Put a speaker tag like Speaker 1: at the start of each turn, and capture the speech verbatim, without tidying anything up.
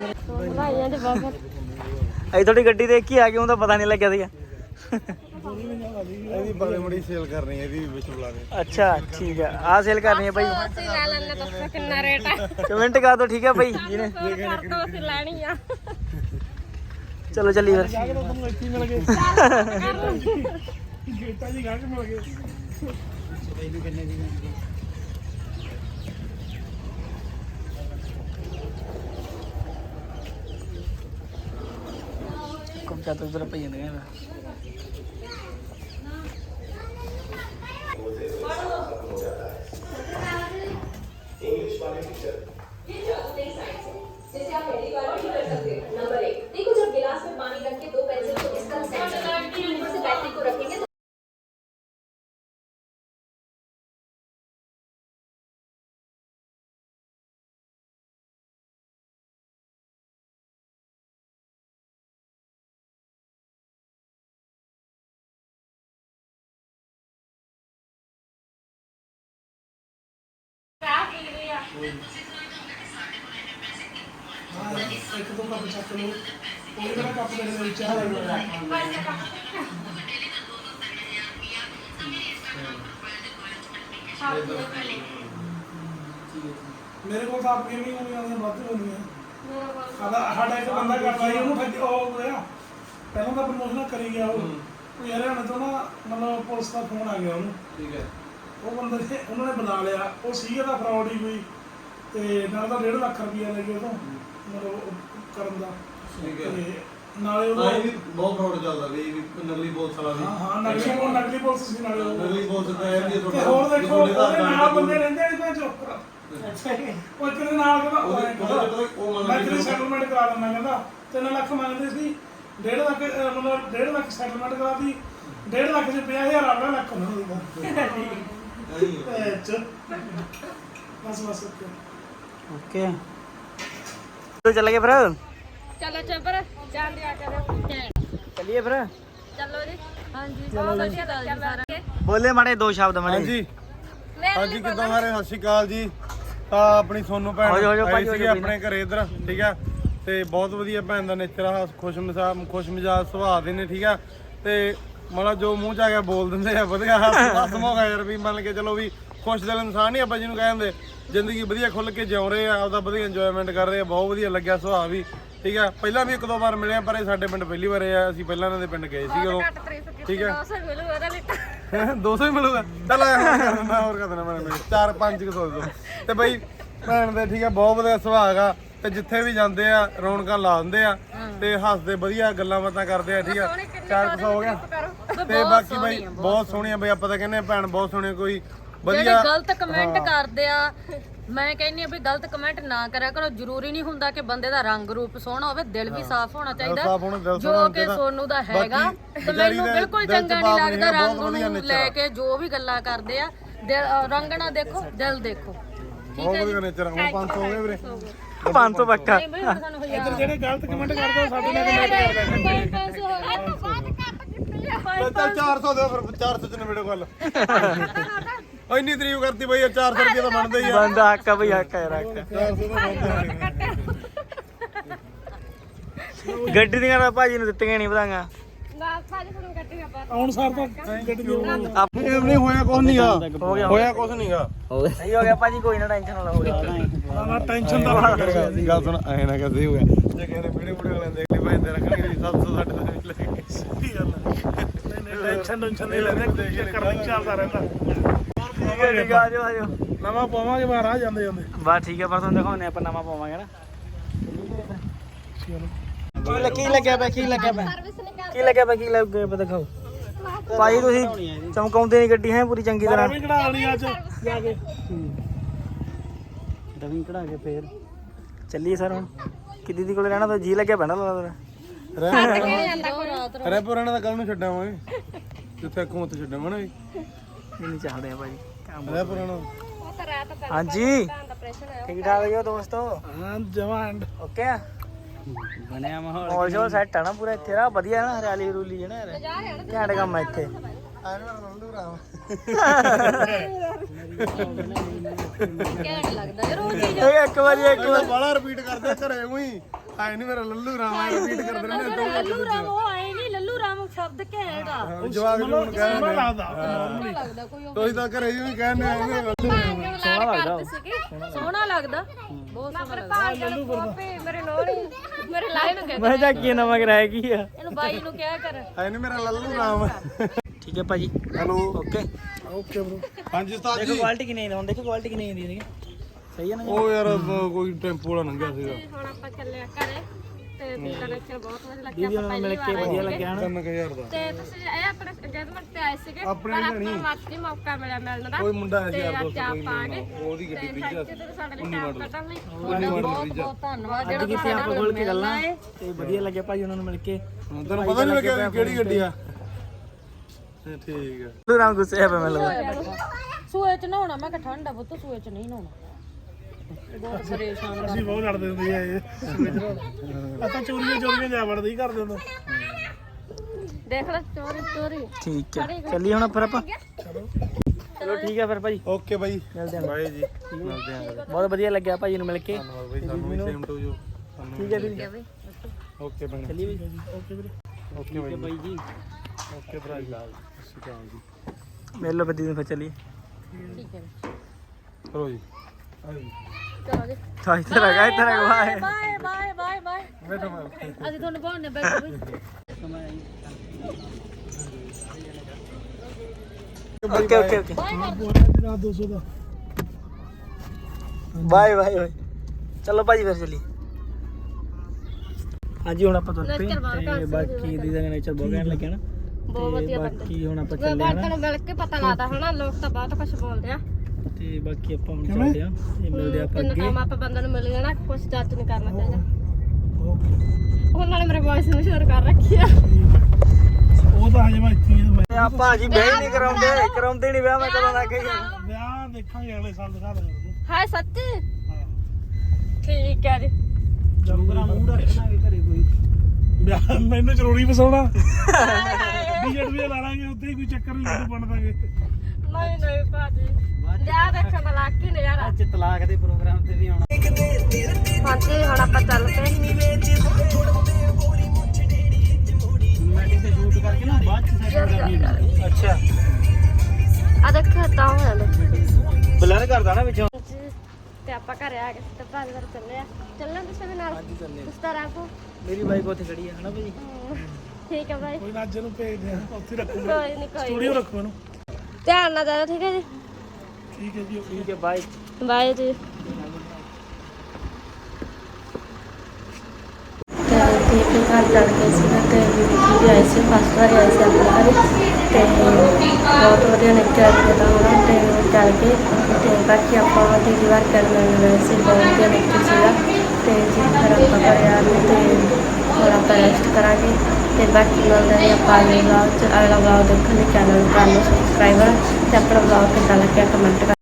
Speaker 1: ਅਸੀਂ ਤੁਹਾਡੀ ਗੱਡੀ ਦੇਖ ਕੇ ਆ ਗਏ, ਉਹਦਾ ਪਤਾ ਨਹੀਂ ਲੱਗਿਆ ਸੀਗਾ।
Speaker 2: ਇਹਦੀ ਬੜੀ ਬੜੀ ਸੇਲ ਕਰਨੀ ਹੈ, ਇਹਦੀ ਵੀ ਵਿਸ਼ ਬੁਲਾ ਦੇ।
Speaker 1: ਅੱਛਾ ਠੀਕ ਹੈ, ਆਹ ਸੇਲ ਕਰਨੀ ਹੈ ਭਾਈ।
Speaker 3: ਅਸੀਂ ਲੈ ਲੈਣੇ, ਦੱਸੋ ਕਿੰਨਾ ਰੇਟ ਹੈ?
Speaker 1: ਕਮੈਂਟ ਕਰ ਦਿਓ, ਠੀਕ ਹੈ ਭਾਈ ਜਿਹਨੇ
Speaker 3: ਕਰ ਦੋ, ਅਸੀਂ ਲੈਣੀ ਆ।
Speaker 1: ਚਲੋ ਚੱਲੀ ਫਿਰ।
Speaker 2: ਗੇਟਾ ਜੀ ਗਾਹ ਕੇ ਮਿਲ ਗਏ।
Speaker 1: ਕਮ ਚਾਹ ਤੋਂ ਪਈ ਜਾਂਦੇ ਨੇ।
Speaker 4: इंग्लिश वाले टीचर ये जो नई साइंस है जैसे आप पहली बार भी कर सकते हो। नंबर एक, देखो जब गिलास में पानी रख के दो पेंसिल को इसका सेंटर ऊपर से बैटरी को रखेंगे तो
Speaker 2: ਇੱਕ ਦੋ ਕੱਪ ਚੱਕ ਲਓ, ਉਹ ਜਿਹੜਾ ਕੱਪ ਦੇ ਵਿੱਚ ਚਾਹ ਲੱਗਦਾ। ਮੇਰੇ ਕੋਲ ਤਾਂ ਆਪਣੀ ਨਹੀਂ ਹੋਣੀਆਂ, ਉਹਦੀਆਂ ਵੱਧ ਹੋਣੀਆਂ। ਸਾਡਾ ਸਾਡਾ ਇੱਕ ਬੰਦਾ ਕਰਦਾ ਸੀ, ਉਹਨੂੰ ਫਿਰ ਉਹ ਹੋਇਆ ਪਹਿਲਾਂ ਤਾਂ ਪ੍ਰਮੋਸ਼ਨ ਕਰੀ ਗਿਆ ਉਹ ਉਹ ਯਾਰ ਹਣ ਤੋਂ ਨਾ ਮਤਲਬ ਪੁਲਿਸ ਦਾ ਫੋਨ ਆ ਗਿਆ ਉਹਨੂੰ। ਠੀਕ ਹੈ, ਉਹ ਬੰਦੇ ਨੇ ਉਹਨਾਂ ਨੇ ਬਣਾ ਲਿਆ, ਉਹ ਸੀਗਾ ਤਾਂ ਫਰਾਡ ਹੀ ਕੋਈ, ਤੇ ਨਾਲ ਤਾਂ ਡੇਢ ਲੱਖ ਰੁਪਈਆ ਲੈ ਗਏ ਉਹ ਤੋਂ ਮਤਲਬ ਕਰਨ ਦਾ। ਠੀਕ ਹੈ, ਨਾਲੇ ਉਹ
Speaker 5: ਵੀ ਬਹੁਤ ਫਰਾਡ ਚੱਲਦਾ ਵੀ ਨਕਲੀ ਪੁਲਿਸ ਵਾਲਾ ਵੀ।
Speaker 2: ਹਾਂ ਹਾਂ ਨਕਲੀ ਉਹ ਨਕਲੀ ਪੁਲਿਸ ਸੀ ਨਾਲੇ ਉਹ
Speaker 5: ਨਕਲੀ ਪੁਲਿਸ ਦਾ ਇਹ ਵੀ
Speaker 2: ਤੇ ਹੋਰ ਦੇਖੋ ਉਹਦੇ ਨਾਲ ਬੰਦੇ ਰਹਿੰਦੇ ਨੇ ਭੈਣ ਚੋਕਰਾ। ਉਹ ਇੱਕ ਦੇ ਨਾਲ ਕਹਿੰਦਾ ਮੈਂ ਤੇਰੀ ਸੈਟਲਮੈਂਟ ਕਰਾ ਦਿੰਦਾ, ਕਹਿੰਦਾ ਤਿੰਨ ਲੱਖ ਮੰਗਦੇ ਸੀ, ਡੇਢ ਲੱਖ ਮਤਲਬ ਡੇਢ ਲੱਖ ਸੈਟਲਮੈਂਟ ਕਰਾਤੀ, ਡੇਢ ਲੱਖ ਚ ਪੰਜਾਹ ਹਜ਼ਾਰ ਆਪਣਾ ਲੱਖ ਉਹਨਾਂ ਨੂੰ ਦਿੰਦਾ। ਬਸ ਬਸ
Speaker 1: ਓਕੇ ਚੱਲ ਗਏ ਫਿਰ।
Speaker 3: ਚਲੋ ਚੱਪਰ ਜਾਣ ਦਿਆ ਕਰੋ।
Speaker 1: ਚੱਲੀਏ ਫਿਰ।
Speaker 3: ਚਲੋ ਜੀ। ਹਾਂਜੀ ਬਹੁਤ ਵਧੀਆ ਲੱਗਿਆ ਸਾਰਾ।
Speaker 1: ਬੋਲੇ ਮਾੜੇ ਦੋ ਸ਼ਬਦ ਮਾੜੇ।
Speaker 2: ਹਾਂਜੀ ਹਾਂਜੀ ਕਿੱਦਾਂ ਸਾਰੇ, ਸਤਿ ਸ਼੍ਰੀ ਅਕਾਲ ਜੀ। ਤਾਂ ਆਪਣੀ ਸੋਨੂੰ ਭੈਣ
Speaker 1: ਹੋ ਜਾਓ ਭਾਈ,
Speaker 2: ਸੀਗੇ ਆਪਣੇ ਘਰੇ ਇੱਧਰ। ਠੀਕ ਆ, ਤੇ ਬਹੁਤ ਵਧੀਆ ਭੈਣ ਦਾ ਨੇਚਰ ਆ, ਖੁਸ਼ ਮਿਜ਼ਾਜ ਖੁਸ਼ ਮਿਜ਼ਾਜ ਸੁਭਾਅ ਦੇ ਨੇ। ਠੀਕ ਆ, ਤੇ ਮਤਲਬ ਜੋ ਮੂੰਹ ਚ ਆ ਗਿਆ ਬੋਲ ਦਿੰਦੇ ਆ, ਵਧੀਆ ਹੱਸ ਮੋਗਾ ਯਾਰ ਵੀ ਮੰਨ ਕੇ ਚਲੋ ਵੀ ਖੁਸ਼ ਦਿਲ ਇਨਸਾਨ ਹੀ ਆਪਾਂ ਜਿਹਨੂੰ ਕਹਿੰਦੇ। ਜ਼ਿੰਦਗੀ ਵਧੀਆ ਖੁੱਲ ਕੇ ਜਿਉ ਰਹੇ ਆ, ਆਪਦਾ ਵਧੀਆ ਇੰਜੋਇਮੈਂਟ ਕਰ ਰਹੇ ਆ, ਬਹੁਤ ਵਧੀਆ ਲੱਗਿਆ ਸੁਭਾਅ ਵੀ। ਠੀਕ ਆ, ਪਹਿਲਾਂ ਵੀ ਇੱਕ ਦੋ ਵਾਰ ਮਿਲੇ ਪਰ ਇਹ ਸਾਡੇ ਪਿੰਡ ਪਹਿਲੀ ਵਾਰ ਆ, ਅਸੀਂ ਪਹਿਲਾਂ ਇਹਨਾਂ ਦੇ ਪਿੰਡ ਗਏ ਸੀਗੇ ਉਦੋਂ। ਠੀਕ ਹੈ, ਦੋ ਸੌ ਹੀ ਮਿਲੂਗਾ। ਚੱਲ ਮੈਂ ਹੋਰ ਕਰ ਦੇਣਾ ਮੈਂ ਚਾਰ ਪੰਜ ਕੁ ਸੌ ਦੋ ਤੇ ਬਈ ਭੈਣ ਦੇ। ਠੀਕ ਆ, ਬਹੁਤ ਵਧੀਆ ਸੁਭਾਅ ਆ, ਤੇ ਜਿੱਥੇ ਵੀ ਜਾਂਦੇ ਆ ਰੌਣਕਾਂ ਲਾ ਦਿੰਦੇ ਆ ਤੇ ਹੱਸਦੇ ਵਧੀਆ ਗੱਲਾਂ ਬਾਤਾਂ ਕਰਦੇ ਆ। ਠੀਕ ਆ, ਚਾਰ ਕੁ ਸੌ ਹੋ ਗਿਆ। ਤੇ ਬਾਕੀ ਬਈ ਬਹੁਤ ਸੋਹਣੀਆਂ ਬਈ, ਆਪਾਂ ਤਾਂ ਕਹਿੰਦੇ ਭੈਣ ਬਹੁਤ ਸੋਹਣੀ ਕੋਈ ਵਧੀਆ।
Speaker 3: ਗਲਤ ਕਮੈਂਟ ਕਰਦੇ ਆ, ਮੈਂ ਕਹਿੰਨੀ ਆ ਵੀ ਗਲਤ ਕਮੈਂਟ ਨਾ ਕਰਿਆ ਕਰੋ। ਜ਼ਰੂਰੀ ਨਹੀਂ ਹੁੰਦਾ ਕਿ ਬੰਦੇ ਦਾ ਰੰਗ ਰੂਪ ਸੋਹਣਾ ਹੋਵੇ, ਦਿਲ ਵੀ ਸਾਫ਼ ਹੋਣਾ ਚਾਹੀਦਾ, ਜੋ ਕਿ ਸੋਨੂ ਦਾ ਹੈਗਾ। ਤੇ ਮੈਨੂੰ ਬਿਲਕੁਲ ਚੰਗਾ ਨਹੀਂ ਲੱਗਦਾ ਰੰਗ ਨੂੰ ਲੈ ਕੇ ਜੋ ਵੀ ਗੱਲਾਂ ਕਰਦੇ ਆ। ਰੰਗ ਨਾ ਦੇਖੋ, ਦਿਲ ਦੇਖੋ।
Speaker 2: ਬਹੁਤ ਵਧੀਆ ਨੇਚਰ। ਹੁਣ ਪੰਜ ਸੌ ਹੋ ਗਏ ਵੀਰੇ,
Speaker 1: ਪੰਜ ਸੌ ਪੱਕਾ।
Speaker 2: ਇੱਧਰ ਜਿਹੜੇ ਗਲਤ ਕਮੈਂਟ ਕਰਦੇ ਉਹ ਸਾਡੇ ਨਾਲ ਕਮੈਂਟ ਕਰਦੇ ਆ। ਚੱਲ ਚਾਰ ਸੌ ਦਿਓ ਫਿਰ, ਚਾਰ ਸੌ ਚ ਨਵੇੜੋ ਗੱਲ। ਇੰਨੀ ਤਾਰੀਫ ਕਰਤੀ ਬਈ, ਚਾਰ ਸੌ ਰੁਪਏ ਤਾਂ ਬਣਦਾ ਹੀ ਆ।
Speaker 1: ਬੰਦਾ ਹੱਕ ਆ ਬਈ, ਹੱਕ ਆ ਯਾਰ, ਹੱਕ।
Speaker 2: ਚਾਰ ਸੌ ਤਾਂ ਬਣਦਾ।
Speaker 1: ਗੱਡੀ ਦੀਆਂ ਭਾਜੀ ਨੂੰ ਦਿੱਤੀਆਂ ਨਹੀਂ ਵਧਾਂਗਾ।
Speaker 2: ਹੁਣ ਸਾਰ ਤਾਂ ਗੱਡੀ
Speaker 1: ਨਹੀਂ
Speaker 2: ਨਹੀਂ ਹੋਇਆ ਕੁਝ ਨਹੀਂਗਾ,
Speaker 1: ਹੋ ਗਿਆ,
Speaker 2: ਹੋਇਆ ਕੁਝ ਨਹੀਂਗਾ।
Speaker 1: ਸਹੀ ਹੋ ਗਿਆ ਭਾਜੀ, ਕੋਈ ਨਾ ਟੈਨਸ਼ਨ ਨਾ ਹੋ ਗਿਆ।
Speaker 2: ਨਾ ਟੈਨਸ਼ਨ ਦਾ ਗੱਲ ਸੁਣ, ਐ ਨਾ ਕਦੇ ਹੋ ਗਿਆ ਜੇ ਕਹਿੰਦੇ ਵੀਡੀਓ ਵੀਡੀਓ ਲੈਂਦੇ ਅਗਲੀ ਭਾਈ ਤੇ ਰੱਖਣਗੇ ਸੱਤ ਸੌ ਸਾਡੇ ਦਾ ਵਿੱਚ ਲੈ ਕੇ। ਸਹੀ ਗੱਲ ਹੈ, ਨਹੀਂ ਨਹੀਂ ਟੈਨਸ਼ਨ ਟੈਨਸ਼ਨ ਨਹੀਂ ਲੈਂਦੇ, ਚੱਕਰ ਨਹੀਂ ਚੱਲਦਾ ਰਹਿੰਦਾ।
Speaker 1: ਠੀਕ ਹੈ, ਠੀਕ ਆ, ਆ ਜਾਓ ਆ ਜਾਓ।
Speaker 2: ਨਵਾਂ ਪਾਵਾਂਗੇ ਬਾਹਰ ਆ ਜਾਂਦੇ ਜਾਂਦੇ।
Speaker 1: ਬਸ ਠੀਕ ਹੈ, ਪਰ ਤੁਹਾਨੂੰ ਦਿਖਾਉਂਦੇ ਆਪਾਂ ਨਵਾਂ ਪਾਵਾਂਗੇ ਨਾ। ਕੀ ਲੱਗਿਆ ਪਿਆ, ਕੀ ਲੱਗਿਆ ਪਿਆ, ਕੀ ਲੱਗਿਆ ਪਿਆ, ਕੀ ਲੱਗਿਆ ਪਿਆ ਦਿਖਾਓ ਭਾਈ। ਤੁਸੀਂ ਚਮਕਾਉਂਦੇ ਨਹੀਂ ਗੱਡੀ ਹੈ ਪੂਰੀ ਚੰਗੀ ਤਰ੍ਹਾਂ।
Speaker 2: ਡਵੀਂ ਕਢਾ ਲਈ ਅੱਜ ਜਾ ਕੇ,
Speaker 1: ਡਵੀਂ ਕਢਾ ਕੇ ਫੇਰ ਚੱਲੀਏ ਸਰ। ਹੁਣ ਕਿ ਦੀਦੀ ਕੋਲ ਰਹਿਣਾ ਤਾਂ ਜੀ ਲੱਗਿਆ ਪੈਣਾ ਲੱਗਦਾ।
Speaker 2: ਰੈਪੋ ਰਹਿਣਾ ਤਾਂ ਕੱਲ ਨੂੰ ਛੱਡਾਂਗੇ, ਜਿੱਥੇ ਇੱਕ ਮੁੱਤ ਛੱਡਾਂਗੇ ਵੀ
Speaker 1: ਨਹੀਂ ਚਾਹਦੇ ਆ ਭਾਜੀ
Speaker 2: ਰੈਪੋ ਰਹਿਣਾ।
Speaker 1: ਹਾਂਜੀ ਠੀਕ ਠਾਕ ਹੋ ਦੋਸਤੋ?
Speaker 2: ਹਾਂ ਜਮਾ ਐਂਡ
Speaker 1: ਓਕੇ ਆ, ਬਣਿਆ ਮਾਹੌਲ। ਮਾਹੌਲ ਸ਼ੋਲ ਸੈੱਟ ਆ ਨਾ ਪੂਰਾ ਇੱਥੇ ਨਾ, ਵਧੀਆ ਨਾ, ਹਰਿਆਲੀ ਹਰੂਲੀ ਹੈ ਨਾ, ਘੈਂਟ ਕੰਮ ਆ ਇੱਥੇ।
Speaker 3: ਘੈਂਟ ਲੱਗਦਾ ਰੋਜ਼
Speaker 1: ਇੱਕ ਵਾਰੀ ਇੱਕ ਵਾਰ
Speaker 2: ਬਾਲਾ ਰਿਪੀਟ ਕਰਦੇ ਘਰੇ ਉਹੀ ਆਏ ਨਹੀਂ ਮੇਰਾ ਲੱਲੂ ਰਾਮ ਆ ਰਿਪੀਟ ਕਰਦੇ ਰਹਿੰਦੇ ਦੋ
Speaker 3: ਲੱਲੂ ਰਾਮ ਉਹ ਆਏ ਨਹੀਂ ਲੱਲੂ ਰਾਮ ਸ਼ਬਦ ਘੈਂਟ ਆ
Speaker 2: ਜਵਾਕ ਨੂੰ ਹੁਣ ਕਹਿੰਦੇ
Speaker 3: ਸੋਹਣਾ ਲੱਗਦਾ ਕੋਈ
Speaker 2: ਤੁਸੀਂ ਤਾਂ ਘਰੇ ਵੀ ਕਹਿੰਦੇ ਆ ਮੇਰਾ ਲੱਲੂ ਰਾਮ
Speaker 3: ਸੋਹਣਾ ਲੱਗਦਾ ਸੋਹਣਾ ਲੱਗਦਾ ਬਹੁਤ ਸੋਹਣਾ ਲੱਗਦਾ ਮੇਰੇ ਲੋੜੀ ਮੇਰੇ ਲਾਈਨ ਨੂੰ ਕਹਿ
Speaker 1: ਮੈਂ ਜਾ ਕੀ ਨਵਾਂ ਕਰਾਇਆ ਕੀ ਆ
Speaker 3: ਇਹਨੂੰ ਬਾਈ ਨੂੰ ਕਿਹਾ ਕਰ
Speaker 2: ਆਏ ਨਹੀਂ ਮੇਰਾ ਲੱਲੂ ਰਾਮ
Speaker 1: ਠੀਕ ਹੈ ਭਾਜੀ
Speaker 2: ਹੈਲੋ
Speaker 1: ਓਕੇ
Speaker 2: ਓਕੇ ਬ్రో ਹਾਂਜੀ ਉਸਤਾਦ
Speaker 1: ਦੇਖੋ
Speaker 2: ਜੀ
Speaker 1: ਕੁਆਲਿਟੀ ਕਿੰਨੀ ਆਉਂਦੀ ਹੁਣ ਦੇਖੋ ਕੁਆਲਿਟੀ ਕਿੰਨੀ ਆਉਂਦੀ ਹੈ ਸਹੀ ਹੈ ਨਾ
Speaker 2: ਉਹ ਯਾਰ ਬ- ਕੋਈ ਟੈਂਪੂ ਵਾਲਾ ਲੰਘਿਆ ਸੀਗਾ
Speaker 3: ਹੁਣ ਆਪਾਂ ਚੱਲੇ ਆ ਘਰੇ ਤੇ ਪੀਟਾ ਲੈਕਚਰ ਬਹੁਤ ਵਧੀਆ ਲੱਗਿਆ
Speaker 1: ਦੀਦੀ ਉਹਨਾਂ ਨੂੰ ਮਿਲ ਕੇ ਵਧੀਆ ਲੱਗਿਆ ਨਾ
Speaker 2: ਤਿੰਨ ਕੁ ਹਜ਼ਾਰ ਦਾ
Speaker 3: ਤੇ ਤੁਸੀਂ ਇਹ ਆਪਣੇ engagement ਤੇ ਆਏ ਸੀਗੇ
Speaker 2: ਆਪਣੇ
Speaker 3: ਪਰ
Speaker 2: ਨਹੀਂ।
Speaker 3: ਆਪਾਂ ਮੱਤ ਦੀ ਮੌਕਾ ਮਿਲਿਆ ਮਿਲਣ ਦਾ
Speaker 2: ਕੋਈ ਮੁੰਡਾ ਹੈ
Speaker 3: ਤੇ
Speaker 2: ਯਾਰ
Speaker 3: ਅੱਜ
Speaker 2: ਦੋਸਤ
Speaker 3: ਆਪਾਂ ਆ
Speaker 2: ਕੋਈ
Speaker 3: ਗਏ
Speaker 2: ਨਹੀਂ ਉਹਦੀ ਗੱਡੀ
Speaker 3: ਤੇ
Speaker 2: ਬ੍ਰਿਜ
Speaker 3: ਸੱਚ ਤੇ ਸਾਡੇ ਲਈ
Speaker 2: ਉੱਨੀ
Speaker 3: ਟਾਈਮ
Speaker 2: ਮਾਡਲ।
Speaker 3: ਕੱਢਣ ਲਈ
Speaker 2: ਉੱਨੀ ਮਾਡਲ
Speaker 3: ਬਹੁਤ
Speaker 2: ਬ੍ਰਿਜ।
Speaker 3: ਬਹੁਤ ਧੰਨਵਾਦ
Speaker 1: ਅੱਜ
Speaker 3: ਜਿਹੜਾ
Speaker 1: ਕਿਤੇ ਆਪਾਂ ਖੋਲ ਕੇ ਗੱਲਾਂ ਤੇ ਵਧੀਆ ਲੱਗਿਆ ਭਾਜੀ ਉਹਨਾਂ ਨੂੰ ਮਿਲ ਕੇ
Speaker 2: ਤੈਨੂੰ ਪਤਾ ਨਹੀਂ ਲੱਗਿਆ ਵੀ ਕਿਹੜੀ ਗੱਡੀ ਆ ਹਾਂ, ਠੀਕ ਆ
Speaker 1: ਲੱਲੂ ਰਾਮ ਗੁੱਸੇ ਆ ਪਿਆ ਮੈਨੂੰ ਲੱਗਦਾ
Speaker 3: ਸੂਏ ਚ ਨਹਾਉਣਾ ਮੈਂ ਕਿ ਠੰਡਾ ਪੁੱਤ ਸੂਏ ਚ ਨਹੀਂ ਨਹਾਉਣਾ ਬਹੁਤ ਪਰੇਸ਼ਾਨ
Speaker 6: ਅਸੀਂ ਬਹੁਤ ਲੜਦੇ ਹੁੰਦੇ ਆ ਇਹ ਆਪਾਂ ਚੋਰੀਆਂ ਚੋਰੀਆਂ ਜਾ ਵੜਦੇ ਹੀ ਕਰਦੇ ਹੁੰਦੇ
Speaker 3: ਦੇਖ ਲੈ ਚੋਰੀ ਚੋਰੀ
Speaker 1: ਠੀਕ ਹੈ ਚੱਲੀ ਹੁਣ ਫਿਰ ਆਪਾਂ ਚਲੋ ਠੀਕ ਹੈ ਫਿਰ ਭਾਜੀ
Speaker 2: ਓਕੇ ਬਾਈ
Speaker 1: ਮਿਲਦੇ ਹਾਂ
Speaker 2: ਬਾਏ ਜੀ ਮਿਲਦੇ ਆਂ
Speaker 1: ਬਹੁਤ ਵਧੀਆ ਲੱਗਿਆ ਭਾਜੀ ਨੂੰ ਮਿਲ ਕੇ
Speaker 2: ਧੰਨਵਾਦ ਬਾਈ ਸਾਨੂੰ ਵੀ ਸੇਮ ਟੂ ਯੂ
Speaker 1: ਠੀਕ ਹੈ ਵੀਰੇ
Speaker 2: ਓਕੇ ਬਣ
Speaker 1: ਚੱਲੀ ਵੀ
Speaker 6: ਓਕੇ ਵੀਰੇ
Speaker 2: ਓਕੇ ਬਾਈ
Speaker 1: ਭਾਈ ਜੀ
Speaker 2: ਓਕੇ ਭਰਾ ਜੀ ਸਤਿ ਸ਼੍ਰੀ ਅਕਾਲ ਜੀ
Speaker 1: ਮਿਲ ਲਓ ਫਿਰ ਦੀਦੀ ਨੂੰ ਫਿਰ ਚੱਲੀਏ
Speaker 3: ਠੀਕ ਹੈ
Speaker 2: ਚਲੋ ਜੀ
Speaker 3: ਚਲੋ ਜੀ
Speaker 1: ਤਾਂ ਇੱਧਰ ਆ ਗਿਆ ਇੱਧਰ ਆ ਗਿਆ bye
Speaker 3: bye bye bye bye
Speaker 2: ਬੈਠੋ ਮੈਂ
Speaker 3: ਅਸੀਂ ਤੁਹਾਨੂੰ ਬਾਹਰ ਬੈਠੋ ਵੀ
Speaker 1: ਓਕੇ ਓਕੇ ਓਕੇ
Speaker 6: ਰਾਤ ਦੋ ਸੌ ਦਾ
Speaker 1: ਬਾਏ ਬਾਏ ਬਾਏ ਚਲੋ ਭਾਜੀ ਫਿਰ ਚੱਲੀ ਹਾਂਜੀ ਹੁਣ ਆਪਾਂ ਤੁਰ ਪਏ ਤੇ ਬਾਕੀ ਦੀਦਾ ਦਾ ਨੇਚਰ ਬਹੁਤ ਘੈਂਟ ਲੱਗਿਆ ਨਾ
Speaker 3: ਬਹੁਤ ਵਧੀਆ ਬੰਦੇ
Speaker 1: ਬਾਕੀ ਹੁਣ ਆਪਾਂ ਚੱਲੇ ਆ
Speaker 3: ਬਾਤਾਂ ਨੂੰ ਮਿਲ ਕੇ ਪਤਾ ਲੱਗਦਾ ਹਨਾ ਲੋਕ ਤਾਂ ਬਹੁਤ ਕੁਝ ਬੋਲਦੇ ਆ
Speaker 1: ਤੇ ਬਾਕੀ ਆਪਾਂ ਹੁਣ ਚੱਲਦੇ ਆ ਤੇ ਮਿਲਦੇ ਆਪਾਂ
Speaker 3: ਕਿੰਨਾ
Speaker 1: ਅੱਗੇ
Speaker 3: ਟਾਈਮ ਆਪਾਂ ਬੰਦੇ ਨੂੰ ਮਿਲ ਜਾਣਾ ਕੁਝ ਜੱਜ ਨਹੀਂ ਕਰਨਾ ਚਾਹੀਦਾ
Speaker 6: ਓਕੇ
Speaker 3: ਉਹਨਾਂ ਨੇ ਮੇਰੇ ਵੌਇਸ ਨੂੰ ਸ਼ੋਰ ਕਰ ਰੱਖੀ ਆ
Speaker 6: ਉਹ ਤਾਂ ਹਜੇ ਮੈਂ ਇੱਥੇ ਹੀ ਆ ਮੈਂ
Speaker 1: ਤੇ ਆਪਾਂ ਜੀ ਵਿਆਹ ਨਹੀਂ ਕਰਾਉਂਦੇ ਕਰਾਉਂਦੇ ਨਹੀਂ ਵਿਆਹ ਮੈਂ ਕਦੋਂ ਨਾ ਕਹੀ
Speaker 6: ਵਿਆਹ ਦੇਖਾਂਗੇ ਅਗਲੇ ਸਾਲ ਦਿਖਾ ਦਾਂਗੇ ਤੁਹਾਨੂੰ
Speaker 3: ਹਾਏ ਸੱਚੀ
Speaker 6: ਹਾਂ
Speaker 3: ਠੀਕ ਹੈ ਜੀ
Speaker 1: ਜੰਗਰਾ ਮੂੰਹ ਰੱਖਣਾ ਵੀ ਘਰੇ ਕੋਈ
Speaker 6: ਵਿਆਹ ਮੈਨੂੰ ਜ਼ਰੂਰੀ ਵਸਾਉਣਾ ਡੀਜੇ ਵੀ ਲਾ ਲਾਂਗੇ ਉੱਤੇ ਹੀ ਕੋਈ ਚੱਕਰ ਨਹੀਂ ਲੱਗ ਬਣ ਦਾਂਗੇ
Speaker 3: ਨਹੀਂ ਨਹੀਂ ਭਾਜੀ ਵਿਆਹ ਦੇਖਣ ਦਾ ਲੱਗ ਹੀ ਨਜ਼ਾਰਾ
Speaker 1: ਅੱਜ ਤਲਾਕ ਦੇ ਪ੍ਰੋਗਰਾਮ ਤੇ ਵੀ ਆਉਣਾ
Speaker 3: ਹਾਂਜੀ ਹੁਣ ਆਪਾਂ ਚੱਲ ਪਏ
Speaker 1: ਮੈਟਿੰਗ ਤੇ ਸ਼ੂਟ ਕਰਕੇ ਨਾ ਬਾਅਦ ਚ ਸੈਟ ਕਰਨੀ ਅੱਛਾ
Speaker 3: ਆ ਦੇਖੋ ਤਾਂ ਹੋ ਜਾਂਦਾ
Speaker 1: ਬਲਰ ਕਰਦਾ ਨਾ ਵਿੱਚੋਂ
Speaker 3: ਤੇ ਆਪਾਂ ਘਰੇ ਆ ਗਏ ਤੇ ਭਾਜੀ ਵਾਰ ਚੱਲੇ ਆ ਚੱਲਣਾ ਤੁਸੀਂ ਵੀ ਨਾਲ
Speaker 1: ਹਾਂਜੀ ਚੱਲੇ
Speaker 3: ਤੁਸੀਂ ਤਾਂ ਰੱਖੋ
Speaker 1: ਮੇਰੀ ਬਾਈਕ ਉੱਥੇ ਖੜੀ ਹੈ ਹਨਾ ਭਾਜੀ
Speaker 3: ਠੀਕ ਹੈ ਬਾਈ
Speaker 6: ਕੋਈ ਨਾ ਅੱਜ ਨੂੰ ਭੇਜਦੇ ਆ ਉੱਥੇ ਰੱਖੂਗਾ
Speaker 3: ਕੋਈ ਨਹੀਂ ਕੋਈ
Speaker 6: ਸਟੂਡੀਓ ਰੱਖੋ ਇਹਨੂੰ
Speaker 3: ਧਿਆਨ ਨਾਲ ਜਾਓ ਠੀਕ ਹੈ ਜੀ
Speaker 6: ਠੀਕ ਹੈ ਜੀ ਓਕੇ
Speaker 1: ਠੀਕ ਹੈ ਬਾਈ
Speaker 3: ਬਾਏ ਜੀ ਤੇ ਤੇ ਘਰ ਚੜ ਗਏ ਸੀ ਤੇ ਵੀ ਆਏ ਸੀ ਫਸਟ ਵਾਰ ਆਏ ਸੀ ਆਪਣੇ ਘਰ ਤੇ ਬਹੁਤ ਵਧੀਆ ਨਿਕਲਿਆ ਸੀ ਤਾਂ ਉਹਨਾਂ ਤੇ ਚੱਲ ਕੇ ਤੇ ਬਾਕੀ ਆਪਾਂ ਦੀਦੀ ਵਾਰ ਕਰਨ ਗਏ ਸੀ ਬਹੁਤ ਵਧੀਆ ਨਿਕਲਿਆ ਸੀਗਾ ਤੇ ਜੀ ਫਿਰ ਆਪਾਂ ਘਰੇ ਆ ਗਏ ਤੇ ਹੁਣ ਆਪਾਂ ਰੈਸਟ ਕਰਾਂਗੇ ਤੇ ਬਾਕੀ ਮਿਲਦੇ ਹਾਂ ਆਪਾਂ ਅਗਲੇ ਵਲੌਗ 'ਚ ਅਗਲਾ ਵਲੌਗ ਦੇਖਣ ਲਈ ਚੈਨਲ ਨੂੰ ਕਰ ਲਓ ਸਬਸਕ੍ਰਾਈਬਰ ਤੇ ਆਪਣਾ ਵਲੌਗ ਕਿੱਦਾਂ ਲੱਗਿਆ ਕਮੈਂਟ